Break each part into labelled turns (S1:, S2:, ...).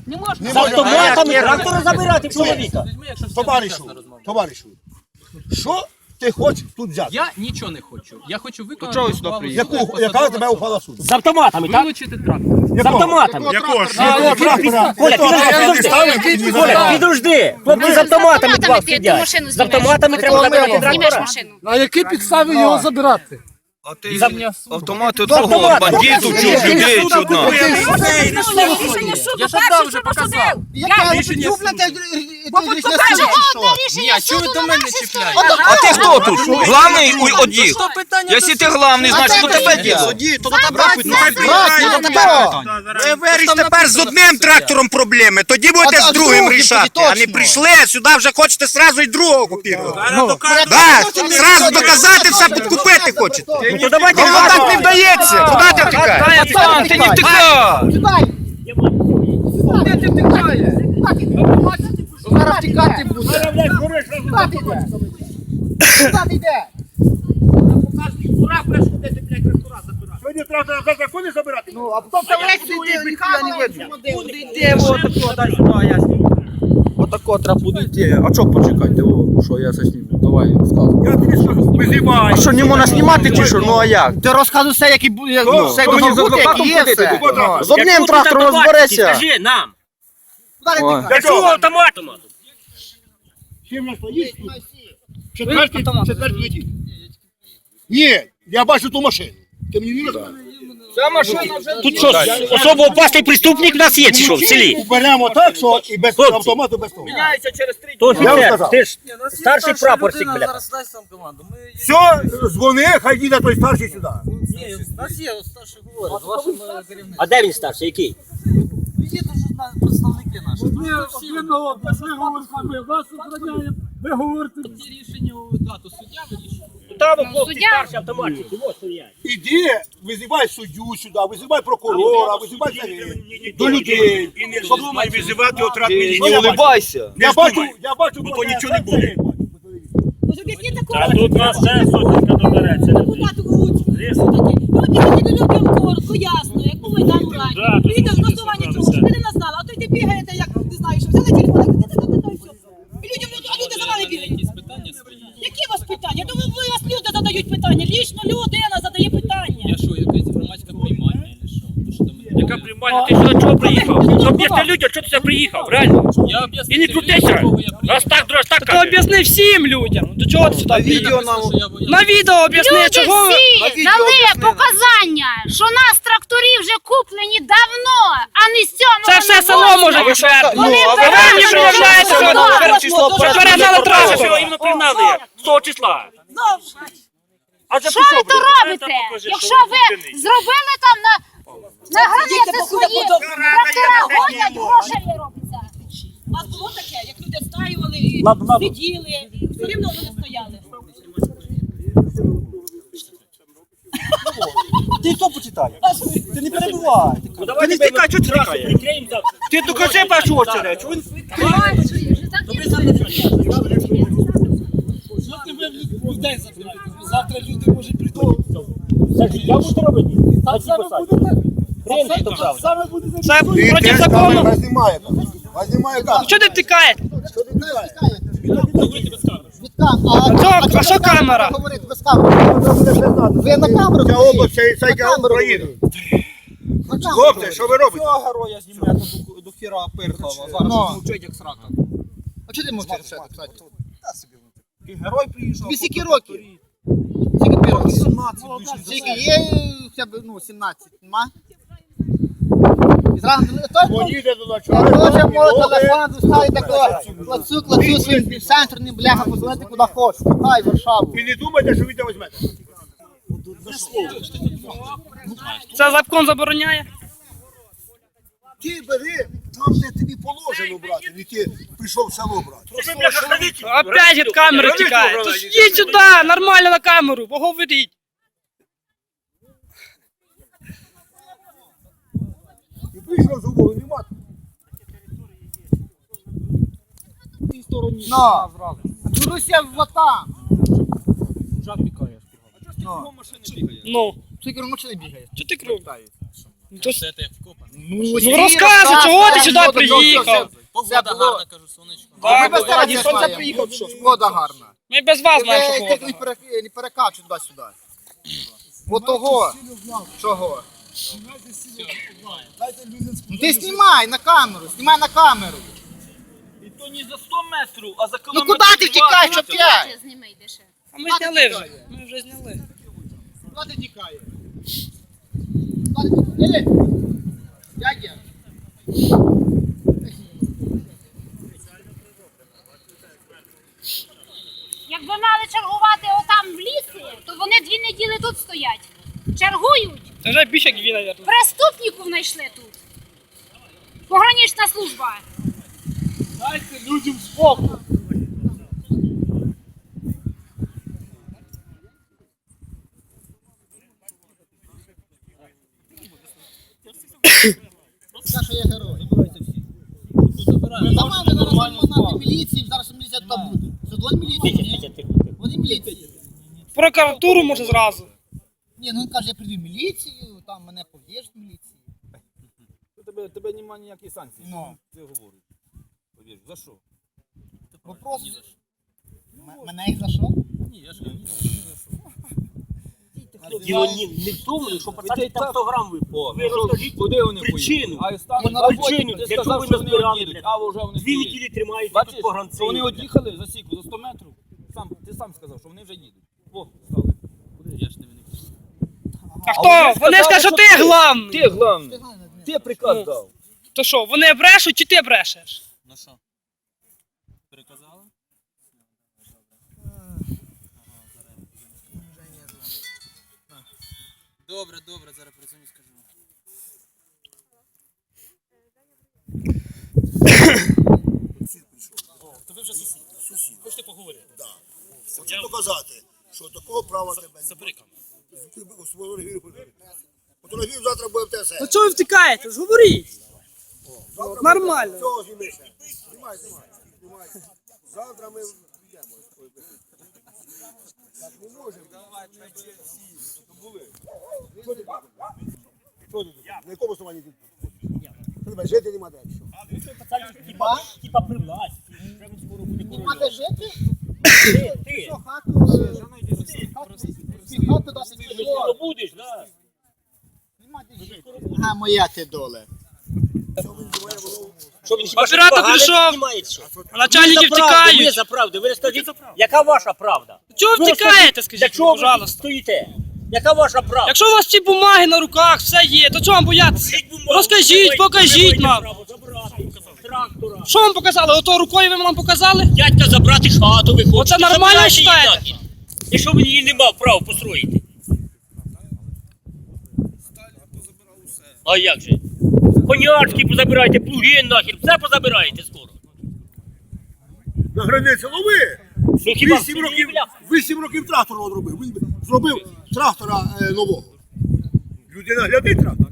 S1: Не можна.
S2: З автоматами трактора забирати чоловіка.
S3: Товаришу, що ти хочеш тут взяти?
S4: Я нічого не хочу. Я хочу виконати ухвалу.
S3: Яка тебе ухвала суду?
S2: З автоматами, так?
S4: Вилучити трактор.
S2: З автоматами.
S3: Якого
S2: Коля, підожди. Хлопці з автоматами два сидять. З автоматами треба забирати трактора.
S5: На якій підставі його забирати?
S6: А ти автомати другого бандитів чув, людей чудно.
S4: Я ж дав вже показав. Рішення суду. Ні, а чого ви до мене чіпляєте?
S6: А ти хто тут? Главний одів. Якщо ти главний, значить до тебе діло. Ви вирішите тепер з одним трактором проблеми, тоді будете з другим рішати. А не прийшли, сюди вже хочете зразу і другого купувати. Так, зразу доказати, все підкупити хочете.
S2: Ну то давайте
S6: Ну так не вдається. Куди ти втікаєш? Пацан, ти не втікай.
S5: Де ти втікаєш? Зараз втікати буде. Куди йде?
S3: Сьогодні трактор за закони забирати?
S5: Ну, а потім там лекції йде, ніхуя не видно.
S7: Йде, отако, дай сюди, я зніму. Отако треба буде йти. А чого почекайте, що я це зніму? Давай, розказуй.
S3: Я тобі скажу, визивай.
S7: А що, не можна знімати чи що? Ну а як?
S5: Ти розказуй все, який буде, все,
S7: Що мені з адвокатом ходити? З одним
S2: Якщо
S7: трактором
S2: тут
S7: розбереться.
S2: Скажи нам.
S7: Ой.
S2: Для чого автоматом?
S3: Чим нас поїсть? Четвертий летить. Ні, я бачу ту машину. Ти мені не розказуєш?
S2: Тут що, особо опасний преступник в нас є, чи що, в селі?
S3: Уберемо так, що і без
S2: Хлопці.
S3: автомату, без того.
S7: Міняється через 3
S2: То
S3: Я вам
S2: офіцер,
S3: сказав.
S2: ти ж старший прапорщик, бля.
S7: Зараз дасть нам команду.
S3: Все, дзвони, хай їде той старший сюди.
S7: Ні, у нас є старший говорить, з вашим керівником.
S2: А де він старший, який?
S7: Є дуже представники наші.
S5: Ви говорите.
S4: Ці рішення у дату суддя вирішує.
S2: Там хлопці старші автоматчики, ось стоять.
S3: Іди, визивай суддю сюди, визивай прокурора, визивай до людей.
S8: І не вздумай визивати отряд міліції.
S6: Не улибайся.
S3: Я бачу,
S8: бо то нічого не буде.
S9: А тут нас ще сотенька добереться.
S1: Коротко, ясно, як по Майдану рані. Приїде з голосування чого, щоб ви не знали, а то й ти бігаєте, як не знаю, що взяли телефон, і люди за вами бігають.
S4: Якісь питання свої.
S1: Які у вас питання? Ну ви вас люди задають питання, лічно людина задає питання.
S4: Я що, якась громадська приймальня, чи що? То що до мене?
S9: Яка приймальня? Ти сюди чого приїхав? Ну об'ясни людям, що ти сюди приїхав, реально.
S4: Я об'ясню.
S9: І не крутися. Раз так
S7: Ти
S9: каже.
S7: об'ясни всім людям. До чого ти сюди?
S6: Відео нам.
S7: На відео об'ясни,
S10: Люди
S7: чого ви...
S10: всі дали показання, що нас тракторі вже куплені давно, а не з цього.
S7: Це все село може підтвердити.
S10: Вони
S7: А ви мені приїжджаєте, що
S2: Що
S7: перегнали
S9: Що
S7: трактор.
S9: його іменно пригнали? З того числа. А це
S10: Що ви то робите? Якщо ви зробили там на границі свої трактора гонять, грошей робиться.
S1: У нас було таке, як люди стаювали і сиділи, все рівно вони стояли.
S7: Ти що почитай? Ти не перебувай.
S9: Ти не стікай, чого ти тікає? Ти докажи першу очередь.
S5: Завтра люди можуть прийти.
S2: Я буду робити. Принцип то правильно.
S5: Саме буде
S7: Це проти закону.
S3: Вас знімає камера.
S7: Що ти втікаєш? А що камера?
S5: говорити без камери. Ви на камеру?
S3: Ця область, це Україна. Хлопці, що ви робите?
S7: Цього героя знімає до хіра Пирхова. Зараз мовчить як срака.
S5: А чого ти мовчиш, кстати?
S7: Герой приїжджав.
S5: Тобі скільки років? Скільки років? 17. Скільки є, хоча б, 17, нема? І зразу,
S3: Поїде до
S5: Тоже
S3: начальника.
S5: мой телефон доставить такого, клацю своїм центрним, бляха, позвонити куди хочеш. Хай, Варшаву.
S3: І не думайте, що ви це візьмете.
S7: Це закон забороняє?
S3: Ти бери там, де тобі положено брати, не ти прийшов в село брати.
S7: Опять від камери тікає. Тож йдіть сюди, нормально на камеру, поговоріть.
S3: І прийшов з угору, нема.
S5: Ну, Руся вот там.
S7: Ну,
S5: Скільки машини бігає?
S7: що ти кров?
S4: Це як вкопано.
S2: Ну розказуй, чого ти сюди приїхав?
S5: Все було.
S7: Так,
S5: Ми без тебе
S7: ніхто не
S5: знаємо.
S7: приїхав, що?
S5: Погода гарна.
S2: Ми без вас знаємо, що
S5: Ти
S2: погода.
S5: не перекачуй туди-сюди. Бо того. Чого? Ну ти знімай на камеру, знімай на камеру.
S7: І то не за 100 метрів, а за
S5: Ну
S7: кілометр.
S5: куди ти втікаєш, що п'ять?
S10: Зніми йдеш.
S2: А ми зняли вже. Ми вже зняли.
S5: Куди ти тікаєш? Дядя. Дядя.
S10: Якби мали чергувати отам в лісі, то вони 2 неділі тут стоять. Чергують.
S2: Це вже більше як він, мабуть.
S10: Преступників знайшли тут. Погранична служба.
S3: Дайте людям спокій.
S5: Скажи, що я герой. Давай, ми зараз на міліції, зараз міліція туди буде. Це дзвонь міліції, ні? Вони міліції.
S2: В прокуратуру може зразу.
S5: Ні, ну він каже, я прийду в міліцію, там мене пов'єш в міліції.
S7: Тебе немає ніякої санкції.
S5: Ну.
S7: Це говорить. Повір, за що?
S5: Вопрос. Мене їх за що?
S7: Ні, я ж не за що.
S9: Діло не в тому, що пацани там 100 грам випили. Ви розкажіть
S7: Куди вони
S9: причину.
S7: поїхали? А останні
S5: на
S7: на
S5: роботі.
S9: Причину,
S7: ти
S9: для чого
S7: сказав,
S9: ви
S7: що вони
S9: назбирали,
S7: одійдуть,
S9: блядь?
S7: а вже вони
S9: 2
S7: стоять.
S9: неділі тримаєте
S7: Бачиш,
S9: тут погранці.
S7: що вони од'їхали за сіку, за 100 метрів. Ти сам сказав, що вони вже їдуть. О, стали. Куди? Я ж не виник.
S2: А хто? Вони скажуть, що ти главний.
S7: Ти головний. Ти приказ дав.
S2: То що, вони брешуть чи ти брешеш?
S7: Ну що? Переказали? Добре, зараз перезвоню, скажу.
S9: Хочете поговорити?
S3: Хочу доказати, що такого права тебе не
S9: Забрикав.
S3: Фотографію завтра буде в ТСН.
S2: Ну чого ви втікаєте? Ж говоріть. Нормально.
S3: Цього знімися. Знімай. Завтра ми йдемо. Так не можемо. Що ти? На якому основанні ти? Що тебе жити нема де?
S9: Типа при власті. Вже він скоро буде
S5: Нема де жити?
S9: Ти
S5: Що, хату? Хату досить
S9: ж скоро будеш, да?
S5: Нема де жити. А моя ти доле.
S9: Що він хіба
S2: Оператор
S9: погано
S2: прийшов.
S9: знімає, що?
S2: А начальники
S9: Ми
S2: втікають.
S9: за правду. Ви розкажіть, яка ваша правда?
S2: Чого ви
S9: Ну,
S2: втікаєте,
S9: Для
S2: скажіть,
S9: чого ви тут
S2: пожалуйста?
S9: стоїте? Яка ваша правда?
S2: Якщо у вас ці бумаги на руках, все є, то чого вам боятися?
S9: Скажіть бумагу,
S2: Розкажіть,
S9: ви
S2: покажіть
S9: маєте
S2: нам.
S9: право забрати трактора.
S2: Що вам показали? Ото рукою ви нам показали?
S9: Дядька забрати хату, ви хочете.
S2: Оце нормально
S9: Забирайте її
S2: вважаєте?
S9: нахід. І що він її не мав права построїти? А як же? Конячки позабирайте, плуги нахер, все позабираєте скоро.
S3: На границі лови.
S9: Ну хіба
S3: 8 років трактор робив. Він зробив трактора нового. Людина глядить трактор.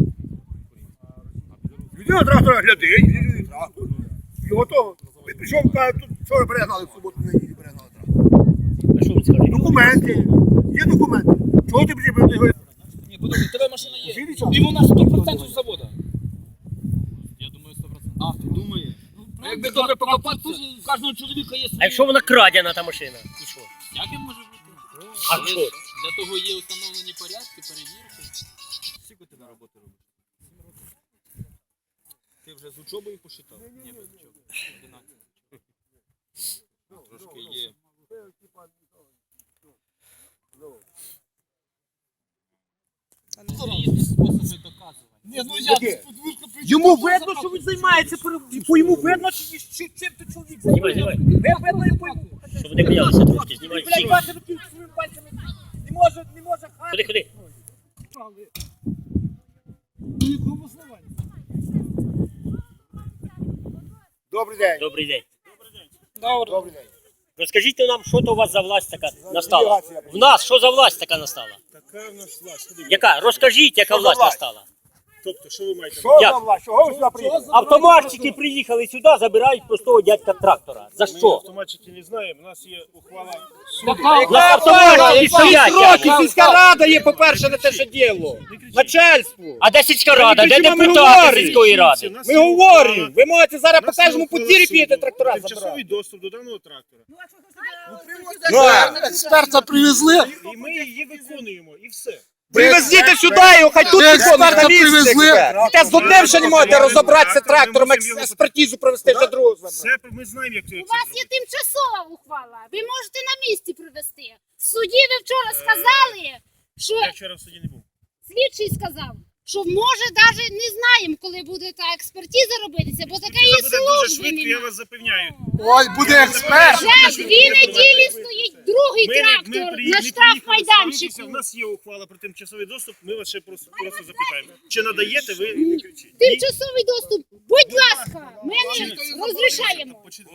S3: Людина трактора глядить, трактор. Його того. Пішов, каже, тут вчора перегнали в суботу, неділю перегнали трактор.
S9: А що він скаже?
S3: Документи. Є документи. Чого ти приїхав?
S7: Ні, подожди, тебе машина є. Він у нас 100% завода. Я думаю, 100%. А, ти думаєш? Ну, якби добре покопати, то у кожного чоловіка є
S9: А якщо вона крадена, та машина? І що?
S7: Як я можу бути?
S9: А що?
S7: Для того є установлені порядки, перевірки. Скільки ти на роботу робиш? 7 років. Ти вже з учобою посчитав? Ні, без учоби. 11. Трошки є. Різні способи доказування.
S9: Йому видно, що він займається, по-йому видно, чим ти чоловік займається. Видно, що вони боялися трошки, знімають всі. Не може хати. Ходи.
S3: Добрий день.
S9: Добрий день.
S3: Добрий день.
S9: Розкажіть нам, що то у вас за власть така настала? В нас що за власть така настала?
S8: Така в нас власть.
S9: Яка? Розкажіть, яка власть настала.
S8: Тобто, що ви маєте?
S3: Що
S2: Як?
S3: за власть? Чого ви сюди приїхали?
S2: Автоматчики приїхали сюди, забирають простого дядька трактора. За що?
S8: Автоматчики не знаємо, у нас є ухвала
S2: На автоматчики стоять.
S6: Років сільська рада є, по-перше, на те, що діло. Начальство.
S2: А де сільська рада? Де
S6: Ми
S2: депутати
S6: говоримо.
S2: сільської ради?
S6: Ми говоримо. Ви можете зараз по кожному подвір'ї підете трактора забрати.
S8: тимчасовий доступ до даного трактора.
S3: Експерта привезли.
S8: І ми її виконуємо, і все.
S6: Привезіть сюди його, хай тут виконують на місці. І те з одним ще не можете розібратися трактором, експертизу провести, вже другого забрати.
S8: Все, ми знаємо, як це
S10: У вас є тимчасова ухвала. Ви можете на місці привезти. В суді ви вчора сказали, що
S8: Я вчора в суді не був.
S10: слідчий сказав, що може навіть не знаємо, коли буде та експертиза робитися, бо таке
S8: Це
S10: є
S8: буде дуже
S10: служби
S8: швидко, я
S10: немає.
S8: вас запевняю.
S3: Ой, буде експерт.
S10: Вже 2 неділі стоїть другий трактор на штрафмайданчику.
S8: У нас є ухвала про тимчасовий доступ, ми вас ще просто запитаємо. Чи надаєте ви, не кричіть.
S10: Тимчасовий доступ, будь ласка, ми не розрішаємо.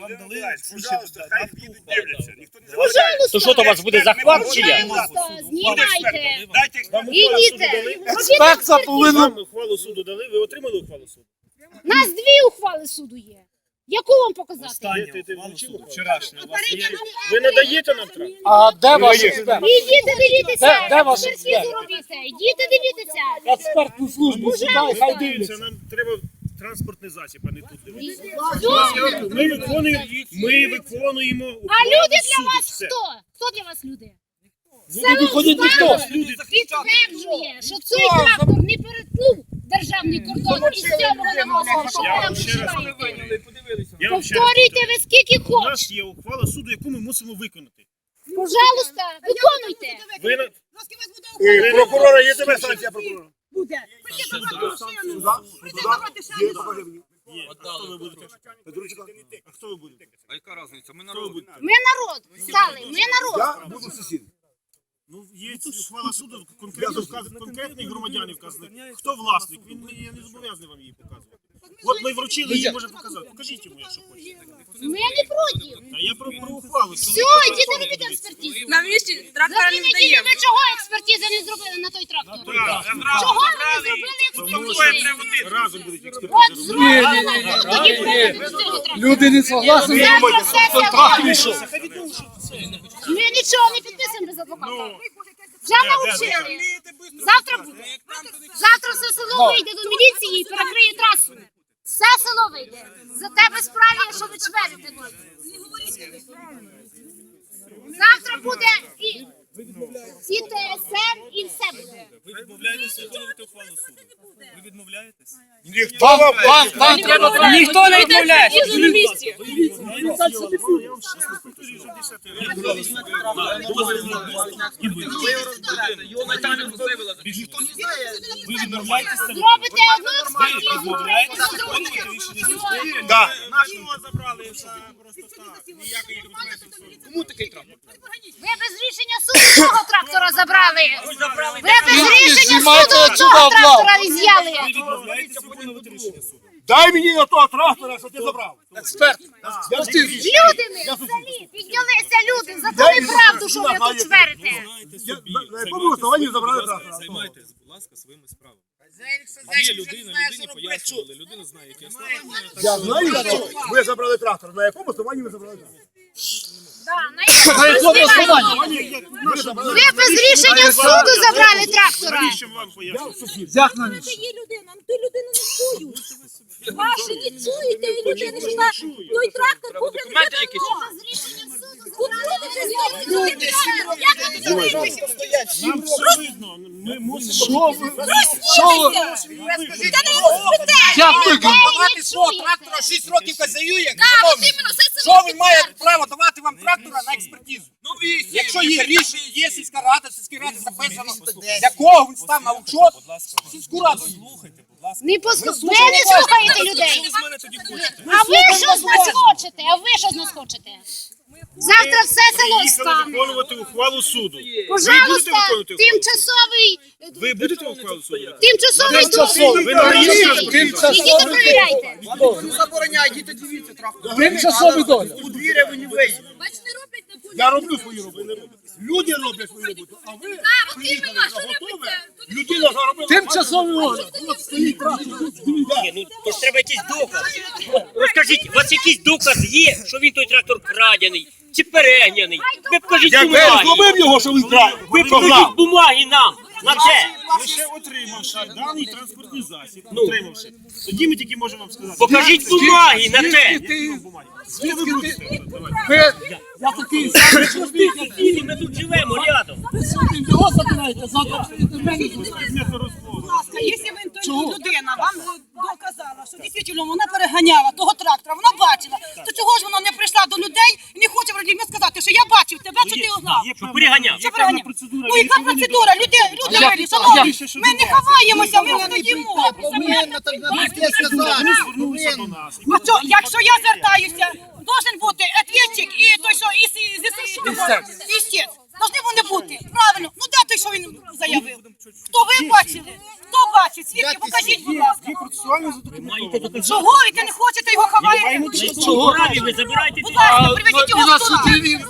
S10: Пожалуйста.
S2: То що то у вас буде захват чи як?
S10: Пожалуйста, знімайте.
S8: Вам
S10: Ідіть.
S3: Експерт повинен.
S8: Вам ухвалу суду дали, ви отримали ухвалу суду?
S10: Нас 2 ухвали суду є. Яку вам показати?
S8: Вчорашня. Ви надаєте нам трактор?
S3: А де ваш експерт?
S10: Ідіть дивіться,
S3: Де ваш
S10: експертизу робіть. Ідіть дивіться.
S3: Експертну службу сюди, хай дивляться.
S8: Нам треба транспортний засіб, а не тут дивитися.
S10: Все.
S8: Ми виконуємо ухвалу
S10: А люди для
S8: суду.
S10: вас
S8: Все.
S10: хто? Хто для вас люди?
S3: Не виходить ніхто.
S10: Підтверджує, що цей трактор не перетнув державний кордон із 7-го на 8-го. Що ви
S8: Я
S10: нам
S8: вам ще раз
S10: вживаєте?
S8: Я вам ще раз
S10: Повторюйте
S8: повторюю.
S10: ви скільки
S8: У
S10: хочете.
S8: нас є ухвала суду, яку ми мусимо виконати.
S10: Пожалуйста, виконуйте.
S8: Ви на-
S3: Прокурора є тебе санкція прокурора?
S1: Буде. Прийди забрати машину. Прийди забрати ще
S3: Є,
S1: одну.
S3: покажи мені.
S8: Є. А хто ви будете?
S3: Петручка.
S8: А хто ви будете?
S7: А яка різниця? Ми
S8: Хто ви будете?
S10: Ми народ стали, ми народ.
S3: Я буду сусід.
S8: Ну, є ухвала суду, конкретний громадянин вказаний. Хто власник? Я не зобов'язаний вам її показувати. От ми вручили, її може показати. Покажіть йому, якщо хочете.
S10: Ми не проти.
S8: Та я про ухвалу.
S10: Все, ідіть робіть експертизу.
S4: На місці
S10: За
S4: трактора
S10: 2
S4: не
S10: неділі
S4: здаємо.
S10: ви чого експертизи не зробили на той трактор? Чого ви не зробили експертизи?
S8: Разом будуть експерти.
S10: От зроблено, тоді проведемо до цього трактора.
S3: Люди не согласні.
S10: Завтра сесія
S3: Трактор
S10: буде.
S3: йшов.
S10: Ми нічого не підписуємо без адвоката. Вже навчили. Завтра буде. Завтра все село вийде до міліції і перекриє трасу. Все село вийде. За тебе справі, що ви чверите. Завтра буде і ТСН, і все буде.
S7: Ви відмовляєтеся виконувати ухвалу суду? Ви відмовляєтесь?
S3: Вам треба.
S4: Ніхто не відмовляє. На місці.
S7: Ви відмовляєтеся?
S10: Зробите одну експертизу, зробите другу.
S3: Да.
S8: Нашого забрали просто так. Ніякої документів.
S7: Кому такий трактор?
S10: Ви без рішення суду того трактора забрали. Ви без рішення суду того трактора із'яли.
S7: Ви відмовляєтеся виконувати рішення суду?
S3: Дай мені на того трактора, що ти забрав. Експерт.
S10: Люди ми в селі, піднялися люди, задали правду, що ви тут чверите.
S3: На якому основанні забрали трактора?
S7: Займайтесь, будь ласка, своїми справами. Є людина, людині пояснювали, людина знає, які основання.
S3: Я знаю, що ви забрали трактор. На якому основанні ви забрали трактор?
S10: На якому основанні? Ви без рішення суду забрали трактора.
S8: Навіщо вам пояснювати?
S3: Як навіщо?
S1: Є людина, ту людину не чують. Ваші не чуєте, і людина йшла. Той трактор куплений.
S7: Документи якісь?
S10: Без рішення суду забрали.
S8: Нам все видно. Ми мусимо...
S3: Як ви?
S6: Давати свого трактора 6 років хазяює. Що він має право давати вам трактора на експертизу? Якщо є рішення, є сільська рада, в сільській раді записано, для кого він став на учет, сільську раду.
S10: Ви не слухаєте людей. А ви що з нас хочете? А ви що з нас хочете? Завтра все село
S8: Приїхали
S10: стане.
S8: виконувати ухвалу суду.
S10: Пожалуйста,
S8: виконувати ухвалу?
S10: тимчасовий,
S8: Ви будете ухвалу суду?
S10: тимчасовий доступ.
S8: Ви надаєте?
S10: Ідіть перевіряйте.
S5: Не забороняй, діти дивіться трактор.
S3: Тимчасовий догляд.
S5: Подвір'я ви не вийдете.
S3: Я роблю свою роботу. Люди роблять свою роботу, а ви
S10: от
S3: приїхали
S10: іменно,
S3: за
S10: що
S3: готове,
S10: робиться?
S3: людина заробила.
S9: Тимчасовий огляд.
S3: От стоїть трактор.
S2: Ні, ну то ж треба якийсь доказ. От розкажіть, у вас якийсь доказ є, що він той трактор крадений чи перегняний? Ви покажіть
S3: Як ви
S2: бумаги.
S3: зловив його, що він крав,
S2: Ви покажіть бумаги нам. На це.
S8: Лише отримавши даний транспортний засіб, отримавши, тоді ми тільки можемо вам сказати.
S2: Покажіть бумаги на те.
S8: Що ви будете?
S9: Я такий самий простий, як
S2: Ні, ми тут живемо рядом.
S9: його забираєте, завтра прийдете в мене.
S1: Будь ласка, якщо людина вам доказала, що дійсно вона переганяла того трактора, вона бачила, то чого ж вона не прийшла до людей і не хоче вроді мені сказати, що я бачив тебе, що ти узнав?
S2: Що переганяв.
S1: Що переганяв? Ну яка процедура? Люди вирішили, шановні, ми не ховаємося, ми не доїмо.
S5: Повинно так навести сказати. Повинно.
S1: А що, якщо я звертаюся, должен бути ответчик і той, що із істець. Должны вони бути, правильно. Ну де той, що він заявив? Хто ви бачили? Хто бачить? Свідки, покажіть, будь ласка.
S8: Процесуально задокументовано.
S1: Чого ви не хочете його ховаєте?
S2: Чого праві ви забираєте?
S1: Будь ласка, приведіть його в суд.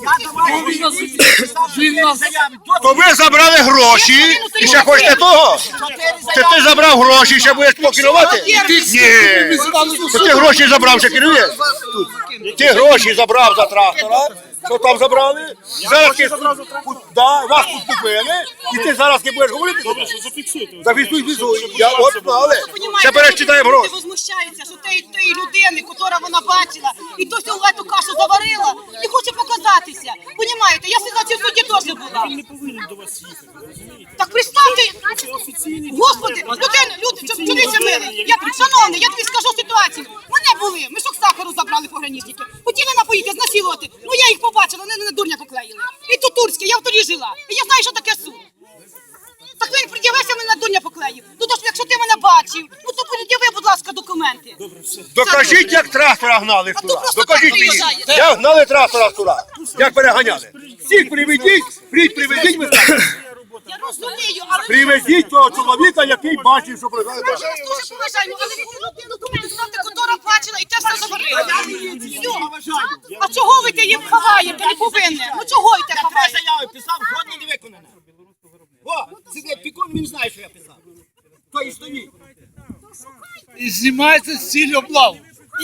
S3: То ви забрали гроші і ще хочете того? Це ти забрав гроші і ще будеш покерувати? Ні. То ти гроші забрав, ще керуєш? Ти гроші забрав за трактора. Що там забрали? Зараз ти вас тут купили, і ти зараз не будеш говорити?
S8: Добре, що зафіксуйте.
S3: Зафіксуй, фіксуй. Я от знали. Ще перечитаємо гроші.
S1: Люди возмущаються, що тієї людини, яка вона бачила, і то всю эту кашу заварила, і хоче показатися. Понімаєте, я сюди в суді теж була.
S8: Він не повинен до вас їхати, ви розумієте?
S1: Так представте,
S8: Це офіційний
S1: Господи, люди, чоловіче милий, шановний, я тобі скажу ситуацію. Мене були, мішок сахару забрали пограничники. Хотіли напоїти, знасилувати. Ну я їх побачила, вони на дурня поклеїли. І тут турське, я в Турі жила. І я знаю, що таке суд. Так він пред'явився, мене на дурня поклеїв. Ну то ж, якщо ти мене бачив, ну то пред'яви, будь ласка, документи.
S3: Докажіть, як трактора гнали
S1: А то
S3: туди.
S1: просто
S3: Докажіть
S1: так
S3: мені.
S1: приїжджає.
S3: Як гнали трактора туди. Як переганяли. Всіх приведіть, приведіть, ви скажете.
S1: Я розумію, але
S3: Приведіть того чоловіка, який бачив, що пригадує.
S1: ми ж вас дуже поважаємо, але ви документи ставте, котора бачила, і те все заварила. А чого ви те їм ховаєте, не повинні? Ну чого ви те ховаєте?
S5: Заяви писав, жодне не виконане. О, сидить пікон, він знає, що я писав. То і стоїть.
S9: І знімається з цілі облаву.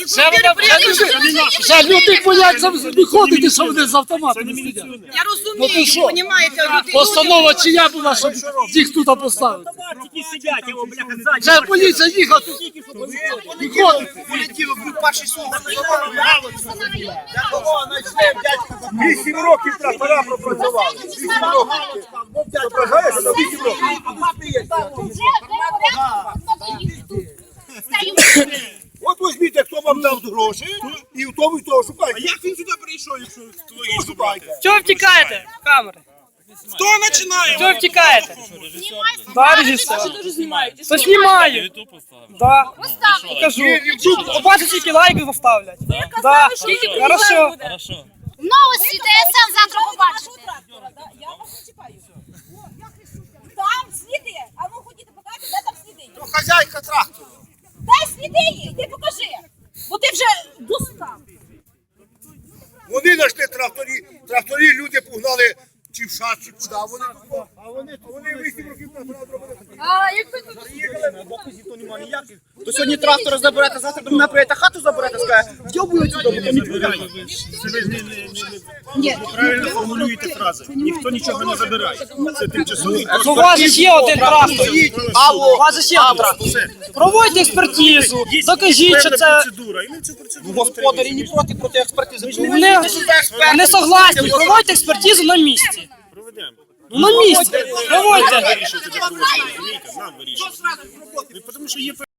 S9: Це люди бояться виходити, що вони з автоматами сидять.
S1: Я розумію,
S9: що?
S1: понімаєте, люди.
S9: Постанова чия була, щоб їх тут поставити.
S2: Тільки сидять, його, бляха, ззаді.
S9: Це поліція їхати. Виходити.
S5: Полетіло в перший суд.
S3: 8 років трактора пропрацювали. 8 років. Зображаєш, що 8 років. От візьміть, хто вам дав гроші, і в тому і того шукайте.
S8: Як він сюди прийшов, якщо твої
S3: Хто шукайте?
S9: Чого втікаєте? Камери.
S8: Хто починає?
S9: Чого втікаєте? Да, режисер. То знімаю. Да. Покажу. Побачите, скільки лайків заставлять. Да. Хорошо.
S10: Новості ТСН завтра побачите.
S4: Там сліди. А ну ходіть, покажете, де там сліди.
S3: То хазяйка трактору.
S4: Дай сліди є, йди покажи. Бо ти вже достав.
S3: Вони знайшли тракторі люди погнали чи в шат, чи куди. Вони 8 років трактора зробили.
S4: А як ви
S5: То сьогодні трактора заберете, завтра до мене прийдете, хату заберете, скаже, вдьобують сюди, бо то не відповідає.
S8: Ви правильно формулюєте фрази. Ніхто нічого не забирає. Це тимчасовий.
S9: У вас же є один трактор. У вас же є один трактор. Проводьте експертизу. Докажіть, що це...
S8: Процедура. І ми цю процедуру
S5: Господарі не проти експертизи.
S9: Не согласні. Проводьте експертизу на місці.
S8: проведемо.
S9: На місці. Проводьте.
S8: Вирішуйте, де проводити. Розумієте? Нам вирішуйте. Тому що є